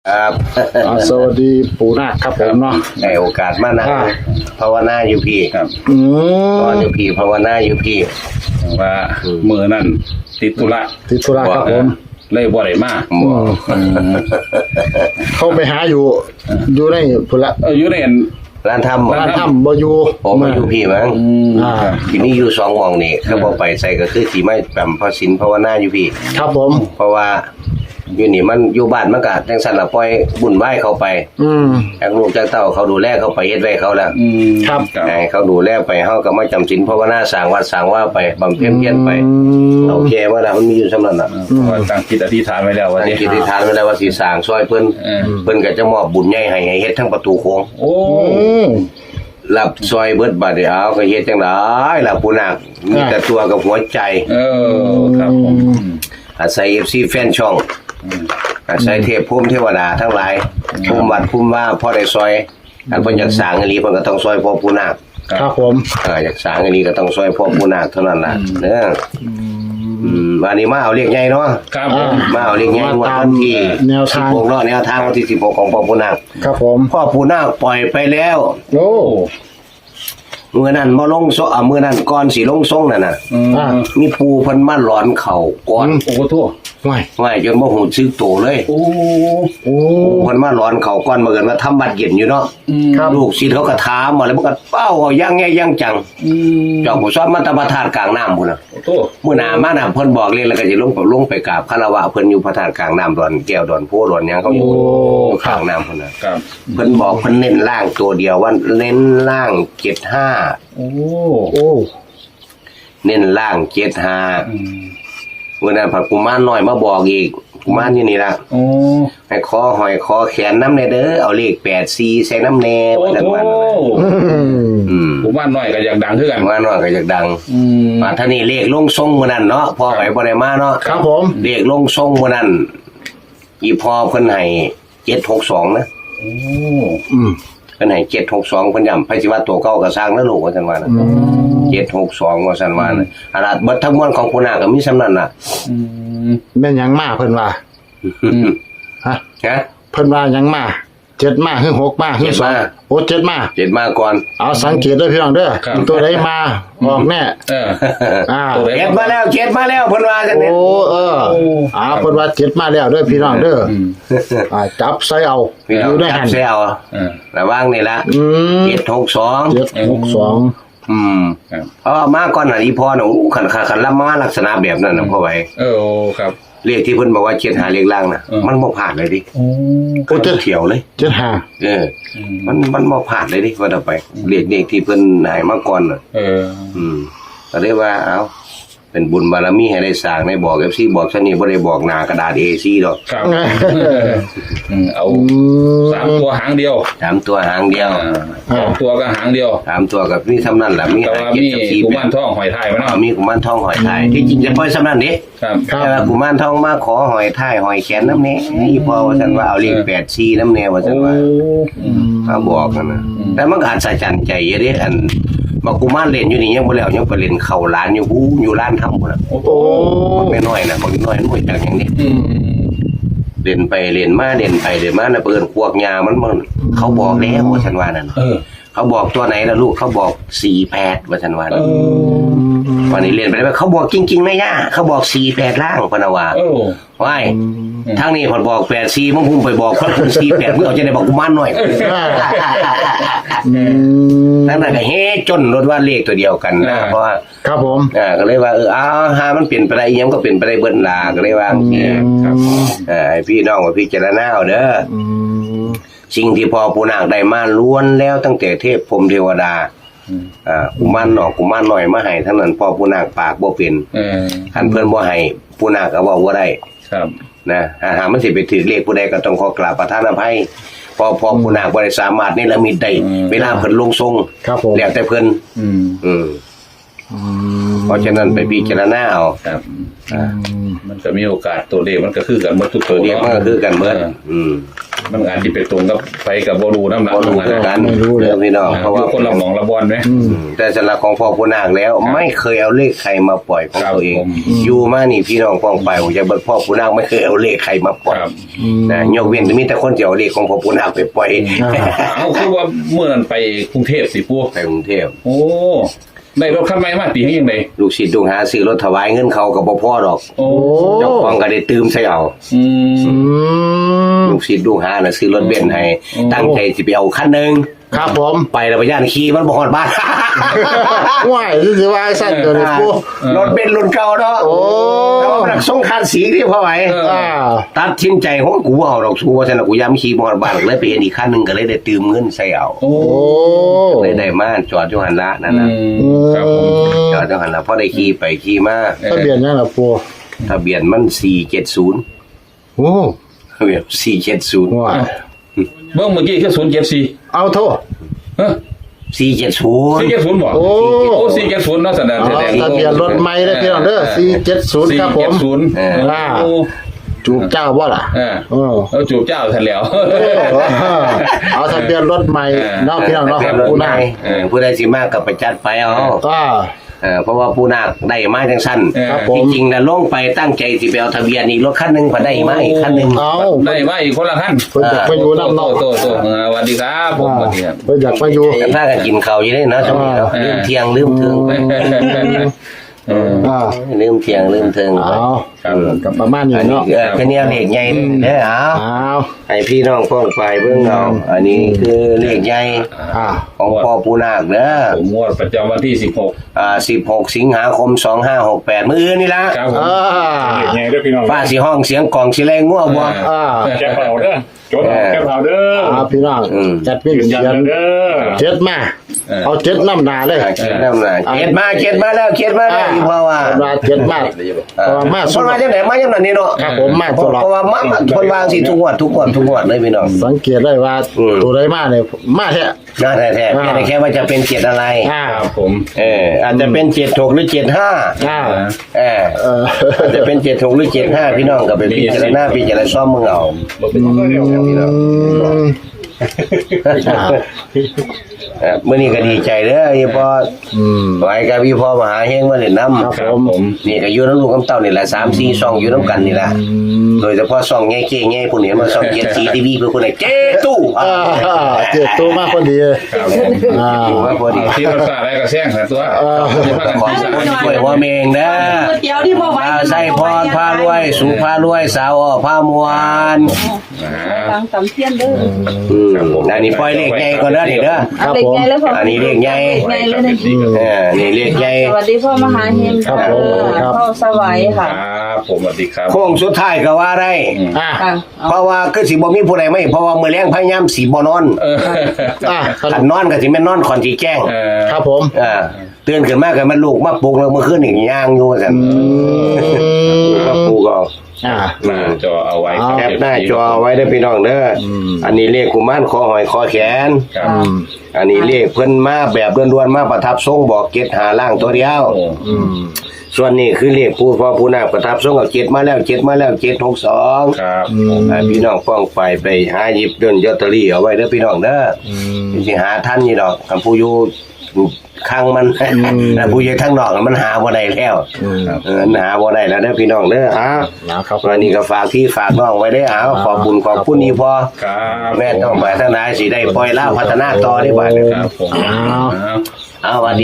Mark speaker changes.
Speaker 1: ครับ
Speaker 2: สวัสดีปู่นาคครับผมเนาะ
Speaker 1: ในโอกาสมานั่งภาวนาอยู่พี่ครับนอนอยู่พี่ภาวนาอยู่พี่
Speaker 3: ว่ามือนั่นติดธุระ
Speaker 2: ครับผม
Speaker 3: เลยบ่ได้มา
Speaker 2: เข้าไปหาอยู่ในพุ่นละ
Speaker 3: อยู่ใน
Speaker 1: ร้านทำ
Speaker 2: บ่อยู่
Speaker 1: ผมมาอยู่พี่มั้งที่นี่อยู่2 ห้องนี่เขาบ่ไปใส่ก็คือสิไม่แปมพอศีลภาวนาอยู่พี่
Speaker 2: ครับผม
Speaker 1: เพราะว่าอยู่นี่มันอยู่บ้านมันก็จังซั่นล่ะปล่อยบุญไหว้เขาไปจากลูกจากเต้าเขาดูแลเขาไปเฮ็ดไว้เขาแล้ว
Speaker 2: ครับ
Speaker 1: ให้เขาดูแลไปเฮาก็มาจำศีลภาวนาสร้างวัดสร้างว่าไปบำเพ็ญเพียรไปโอเคว่าล่ะมันมีอยู่สำนั้นน่ะ
Speaker 3: ตั้งจิตอธิษฐานไว้แล้วว่า
Speaker 1: สิอธิษฐานไว้แล้วว่าสิสร้างซอยเพิ่นก็จะมอบบุญใหญ่ให้เฮ็ดทั้งประตูโค้ง
Speaker 3: โอ้
Speaker 1: รับซอยเบิดบาดเดียวก็เฮ็ดจังได๋ล่ะปู่นาคมีแต่ตัวกับหัวใจ
Speaker 3: ครับผม
Speaker 1: อาศัย FC แฟนช่องอาศัยเทพภูมิเทวดาทั้งหลายภูมิวัดภูมิว่าพอได้ซอยอันเพิ่นอยากสร้างอีหลีเพิ่นก็ต้องซอยพ่อปู่นาค
Speaker 2: ครับผม
Speaker 1: อยากสร้างอีหลีก็ต้องซอยพ่อปู่นาคเท่านั้นล่ะเด้อวันนี้มาเอาเลขใหญ่เนาะ
Speaker 3: ครับ
Speaker 1: มาเอาเลขใหญ่วันที่16เนาะแนวทางวันที่16ของพ่อปู่นาค
Speaker 2: ครับผม
Speaker 1: พ่อปู่นาคปล่อยไปแล้ว
Speaker 2: โอ้
Speaker 1: มื้อนั้นบ่ลงโซมื้อนั้นก่อนสิลงทรงนั่นน่ะมีปู่เพิ่นมาหลอนเข่าก่อน
Speaker 3: โอ้โธ่
Speaker 1: ไม่จนบ่ฮู้สึกโตเลย
Speaker 3: โอ้
Speaker 1: เพิ่นมาหลอนเข่าก่อนมื้อนั้นมาทำบัดเย็นอยู่เนาะลูกศิษย์เขาก็ถามมาแล้วมันก็เป้าเอายังไงยังจังเจ้าผู้สอนมันตะบะธาตุกลางน้ำพุ่นน่ะ
Speaker 3: โอ้โธ่
Speaker 1: มื้อหน้ามาน่ะเพิ่นบอกเลยแล้วก็สิลงไปกราบคารวะเพิ่นอยู่พระธาตุกลางน้ำดอนแก้วดอนโพดอนหยังเขาอยู่ข้างน้ำพุ่นน่ะเพิ่นบอกเพิ่นเน้นล่างตัวเดียวว่าเน้นล่าง75
Speaker 3: โอ้
Speaker 1: เน้นล่าง75มื้อนั้นพระกุมารน้อยมาบอกอีกกุมารอยู่นี่ล่ะให้คอหอยคอแขนน้ำแน่เด้อเอาเลข84ใส่น้ำแน่ว่าจังว่า
Speaker 3: กุมารน้อยก็อยากดังคือกัน
Speaker 1: กุมารน้อยก็อยากดังมาท่านี้เลขลงทรงมื้อนั้นเนาะพ่อไปบ่ได้มาเนาะ
Speaker 2: ครับผม
Speaker 1: เลขลงทรงมื้อนั้นอีพ่อเพิ่นให้762นะ
Speaker 3: โอ้
Speaker 1: เพิ่นให้762เพิ่นย้ำไผสิว่าตัวเก่าก็สร้างแล้วลูกว่าซั่นว่านะ762ว่าซั่นว่านะอาราเบิดทั้งมวลของปู่นาคก็มีส่ำนั้นน่ะ
Speaker 2: แม่นหยังมาเพิ่นว่าฮะเพิ่นว่าหยังมา7มาคือ6มาคือ2โอ้7มา
Speaker 1: ก่อน
Speaker 2: เอาสังเกตด้วยพี่น้องเด้อตัวใดมาออกแน่
Speaker 1: เจ็ดมาแล้วเพิ่นว่าจังนี้
Speaker 2: โอ้เพิ่นว่า7มาแล้วเด้อพี่น้องเด้อจับใส่เอา
Speaker 1: อยู่ได้หั่นใส่เอาระวังนี่ล่ะ762มาก่อนน่ะอีพ่อน่ะคันรับมาลักษณะแบบนั้นน่ะพ่อไว้
Speaker 3: ครับ
Speaker 1: เลขที่เพิ่นบอกว่า75เลขล่างน่ะมันบ่ผ่านเลยดิโอ้เที่ยวเลย75มันบ่ผ่านเลยดิว่าต่อไปเลขที่เพิ่นให้มาก่อนน่ะก็เลยว่าเอ้าเป็นบุญบารมีให้ได้สร้างได้บอก FC บอกซั่นนี่บ่ได้บอกหน้ากระดาษ A4 ดอก
Speaker 3: ครับเอา3ตัวหางเดียว
Speaker 1: 3ตัวหางเดียว
Speaker 3: 2ตัวก็หางเดียว
Speaker 1: 3ตัวกับนี่ซำนั้นล่ะมี
Speaker 3: กุมารทองหอยทายมั้ย
Speaker 1: มีกุมารทองหอยทายที่จริงจะปล่อยซำนั้นเด้
Speaker 3: ครับ
Speaker 1: แต่ว่ากุมารทองมาขอหอยทายหอยแขนนำแน่อีพ่อว่าซั่นว่าเอาเลข84นำแน่ว่าซั่นว่าเขาบอกนั่นน่ะแต่มันก็อัศจรรย์ใจอยู่เด้อันบอกกุมารเล่นอยู่นี่ยังบ่แล้วยังไปเล่นเข้าร้านอยู่ร้านทำพุ่นน่ะ
Speaker 2: โอ้
Speaker 1: ไม่น้อยน่ะบ่น้อยจังอย่างนี้เล่นไปเล่นมาเล่นไปเล่นมาน่ะเปิ้นพวกยามันเขาบอกแล้วว่าซั่นว่านั่นเขาบอกตัวไหนล่ะลูกเขาบอก48ว่าซั่นว่าวันนี้เล่นไปแล้วเขาบอกจริงๆนะย่าเขาบอก48ล่างพะนะว่าว้ายทางนี้เพิ่นบอก84มึงพุ่งไปบอกเพิ่น48มึงเอาจะได้บอกกุมารน้อยนั่นน่ะก็เฮ็ดจนรถว่าเลขตัวเดียวกันนะเพราะว่า
Speaker 2: ครับผม
Speaker 1: ก็เลยว่าหามันเปลี่ยนไปได้อีหยังก็เปลี่ยนไปได้เบิดล่ะก็เลยว่าครับให้พี่น้องว่าพิจารณาเอาเด้อสิ่งที่พ่อปู่นาคได้มาล้วนแล้วตั้งแต่เทพพรหมเทวดากุมารกุมารน้อยมาให้ทั้งนั้นพ่อปู่นาคปากบ่เป็นคันเพิ่นบ่ให้ปู่นาคก็เว้าบ่ได้
Speaker 3: ครับ
Speaker 1: นะหามันสิไปถือเลขผู้ใดก็ต้องขอกราบประทานอภัยพอปู่นาคบ่ได้สามารถนี่ละมิตได้เวลาเพิ่นลงทรงแล้วแต่เพิ่นเพราะฉะนั้นไปพิจารณาเอา
Speaker 3: ครับมันก็มีโอกาสตัวเลขมันก็คือกันหมดทุกตัว
Speaker 1: เลขมันก็คือกันหมด
Speaker 3: มันอาจจะไปตรงกับไปกับโบรูน้ำหนัก
Speaker 1: บ่รู้
Speaker 3: นะ
Speaker 1: คือกันเด้อพี่น้องเพราะว่า
Speaker 3: คนละหมองละบอลไหม
Speaker 1: แต่สำหรับของพ่อผู้นาคแล้วไม่เคยเอาเลขใครมาปล่อยของ
Speaker 3: ครับ
Speaker 1: ตัวเอง
Speaker 3: ผม
Speaker 1: อยู่มานี่พี่น้องป้องไปผมจะเบิกพ่อผู้นาคไม่เคยเอาเลขใครมาปล่อย
Speaker 3: ครับ
Speaker 1: นะยกเว้นจะมีแต่คนที่เอาเลขของพ่อผู้นาคไปปล่อย
Speaker 3: เอาคือว่าเมื่อนั้นไปกรุงเทพสิพวก
Speaker 1: ไปกรุงเทพ
Speaker 3: โอ้ได้รถคันใหม่มาตีให้ยังไง
Speaker 1: ลูกศิษย์ลูกหาซื้อรถถวายเงินเขากับบ่พ่อดอก
Speaker 3: โอ้
Speaker 1: เจ้าของก็ได้ตืมใส่เอา
Speaker 3: อืม
Speaker 2: อืม
Speaker 1: ลูกศิษย์ลูกหาน่ะซื้อรถเบนซ์ให้
Speaker 3: อืม
Speaker 1: ตั้งใจสิไปเอาคันหนึง
Speaker 2: ครับผม
Speaker 1: ไปแล้วไปย่านขี่มันบ่ฮอดบ้าน
Speaker 2: ว่ายสิว่าสั้นตัวนี้ปู
Speaker 1: รถเบนซ์รุ่นเก่าเนาะ
Speaker 2: โอ้
Speaker 1: แล้วมันส่งคันสีที่พ่อไหว
Speaker 2: อ่า
Speaker 1: ตัดสินใจของกูเอาดอกสู้ว่าซั่นน่ะกูย้ำขี่บ่ฮอดบ้านเลยไปเห็นอีกคันหนึงก็เลยได้ตืมเงินใส่เอา
Speaker 3: โอ้
Speaker 2: โอ้
Speaker 1: เลยได้มาจอดอยู่หั่นละนั่น
Speaker 3: อื
Speaker 1: น่ะ
Speaker 3: มครับผม
Speaker 1: จอดอยู่หั่นละพอได้ขี่ไปขี่มา
Speaker 2: ทะเบียนยังล่ะปู
Speaker 1: ทะเบียนมัน470
Speaker 2: โอ้
Speaker 1: ทะเบียน470
Speaker 2: ว่า
Speaker 3: เมื่อกี้คือ074
Speaker 2: เอาโทษ
Speaker 3: เฮ้ย
Speaker 1: 470
Speaker 3: 470บ่
Speaker 2: โอ้
Speaker 3: โอ้470เนาะแสดง
Speaker 2: เอาทะเบียนรถใหม่ได้พี่น้องเด้อ470ครับผม
Speaker 3: 470
Speaker 2: อ่า
Speaker 3: โอ้
Speaker 2: จูบเจ้าบ่ล่ะ
Speaker 3: อ่า
Speaker 2: เออ
Speaker 3: แล้วจูบเจ้าทันแล้ว
Speaker 2: เอาทะเบียนรถใหม่เนาะพี่น้องเนาะ
Speaker 1: ทะ
Speaker 2: ของ
Speaker 1: เบียนรถ
Speaker 2: ปู
Speaker 1: ให
Speaker 2: นา
Speaker 1: ม่ผู้ใดสิมากก็ไปจัดไปเอา
Speaker 2: อ่า
Speaker 1: เพราะว่าผู้นาคได้มาจังสั้น
Speaker 2: ครับผม
Speaker 1: จริงๆนะลงไปตั้งใจสิไปเอาทะเบียนอีกรถคันหนึงพอได้มาอีกคันหนึง
Speaker 2: เอา
Speaker 3: ได้มาอีกคนละขั้น
Speaker 2: เพิ่นอยากไปอยู่น้ำเนาะ
Speaker 3: โตสวัสดีครับผมสวัสดีครับ
Speaker 2: เพิ่นอยากไปอยู่
Speaker 1: กันถ้ากันกินข้าวอยู่ได้เนาะจังนี้เนาะลืมเที่ยงลืมเทิง
Speaker 2: อ่า
Speaker 1: ลืมเที่ยงลืมเทิง
Speaker 2: เอา
Speaker 3: ครับ
Speaker 2: กับประมาณนี้
Speaker 1: อันนี้
Speaker 2: เนาะ
Speaker 1: เป็นแนวเลขใหญ่เด้อเอา
Speaker 2: เอา
Speaker 1: ให้พี่น้องพ้องไปเบิ่งเอาอันนี้คือเลขใหญ่
Speaker 2: อ่า
Speaker 1: ของพ่อปู่นาคเด้อ
Speaker 3: ผมงวดประจำวันที่
Speaker 1: 16 สิงหาคม 2568มื้ออื่นนี่ล่ะ
Speaker 3: 16ครับผม
Speaker 2: อ่า
Speaker 4: ไงด้วยพี่น้อง
Speaker 1: ฟ้าสิห้องเสียงกลองสิแรงงัวบ่
Speaker 2: อ่า
Speaker 4: แก้เผาเด้อจดเอาแก้เผาเด้อ
Speaker 2: เอาพี่น้องจัดเป็น
Speaker 4: ยืนยัน
Speaker 2: เขียน
Speaker 4: เด้อ
Speaker 2: เจ็ดมาเอาเจ็ดน้ำหนาเลย
Speaker 1: เขียนนำหน่อยเขียนมาแล้วอีพ่อว่า
Speaker 2: มาเจ็ดมาเพราะว่ามา
Speaker 1: ค
Speaker 2: สุ
Speaker 1: น
Speaker 2: ด
Speaker 1: มาจังไหนมาจังนั้นนี่เนาะ
Speaker 2: ครับผมมาตลอด
Speaker 1: เพราะว่ามาคนวางสิทุกงวดเลยพี่น้อง
Speaker 2: สังเกตได้ว่าตัวใดมาเนี่ยมาแท้
Speaker 1: น่าแท้ๆแค่ว่าจะเป็นเจ็ดอะไร
Speaker 2: อ่า
Speaker 3: ครับผม
Speaker 1: อาจจะเป็น76หรือ75
Speaker 2: อ่า
Speaker 1: อาจจะเป็น76หรือ75พี่น้องก็ไปพิจารณาซ่อมมึงเอา
Speaker 2: อืมอ่า
Speaker 1: มื้อนี้ก็ดีใจเด้ออีพ่อ
Speaker 2: อืม
Speaker 1: ไว้กับพี่พ่อมหาเฮงมาเล่นน้ำ
Speaker 2: ครับ
Speaker 3: ครับผม
Speaker 1: นี่ก็อยู่น้ำลูกน้ำเต้านี่แหละ3-4ช่องอยู่น้ำกันนี่แหละ โดยเฉพาะช่องแง่ๆพวกนี้มาช่องเกียรติทีวีเพื่อคนไหนเจ้ตู้
Speaker 2: อ่าเจ็ดตัวมากพอดี
Speaker 3: ครับผม
Speaker 2: อ่า
Speaker 1: อยู่ว่าพอดี
Speaker 3: ที่มันสาอะไรก็แซงแต่ตัว
Speaker 1: ขอคนช่วยว่าเมงนะ
Speaker 5: ก๋วยเตี๋ยวที่พ่อไว้
Speaker 1: ใส่พรพารวยสุพารวยสาวอ้อพามวล
Speaker 5: ฟังสำเทียนเด้อ
Speaker 1: อันนี้ปล่อยเลขใหญ่ก่อนเด้อนี่เด้อ
Speaker 5: เอาเด็กใหญ่แล้วพ่อ
Speaker 1: อันนี้เลขใหญ่
Speaker 5: ใหญ่เลยนะ
Speaker 1: นี่เลขใหญ่
Speaker 5: สวัสดีพ่อมหาเฮงพ่อสวัย
Speaker 3: ค
Speaker 5: ค่ะ
Speaker 3: รับผมสวัสดีครับ
Speaker 1: โค้งสุดท้ายก็ว่าได้
Speaker 2: อ่า
Speaker 5: ค่ะ
Speaker 1: เพราะว่าคือสิบ่มีผู้ใดไม่เพราะว่ามื้อแรงพยายามสิบ่นอน
Speaker 2: อ่า
Speaker 1: คันนอนก็สิแม่นนอนก่อนสิแจ้ง
Speaker 2: ครับผม
Speaker 1: ตื่นขึ้นมาก็มันลูกมาปลุกแล้วเมื่อคืนนี่ย่างอยู่ซั่นมาปลุกเอา
Speaker 2: อ่า
Speaker 3: หน้าจอเอาไว้ครับ
Speaker 1: แคปหน้าจอไว้ได้อพี่น้องเด้อออันนี้เลขกุมารคอหอยคอแขน
Speaker 3: ครับ
Speaker 1: อันนี้เลขเพิ่นมาแบบด่วนๆมาประทับทรงบอกเกตหาล่างตัวเดียว
Speaker 3: โอ้
Speaker 2: อืม
Speaker 1: ส่วนนี้คือเลขผู้พ่อผู้นาคประทับทรงกับเจ็ดมาแล้ว762
Speaker 3: ครับ
Speaker 1: พี่น้องฟ้องไปหาหยิบเดินลอตเตอรี่เอาไว้เด้อพี่น้องเด้อสิหาทันนี่ดอกคันผู้อยู่ข้างมันแต่ผู้อยู่ทางนอกมันหาบ่ได้แล้วหาบ่ได้แล้วเด้อพี่น้องเด้อ
Speaker 2: นะครับ
Speaker 1: วันนี้ก็ฝากพี่ฝากน้องไว้ได้อเอาขอบบุญขอบคุณนี่พอ
Speaker 3: ครับ
Speaker 1: แม่ต้องไปทางไหนสิได้ปล่อยล่าพัฒนาต่อได้บ่าด
Speaker 3: ครับผม
Speaker 1: เอาวัน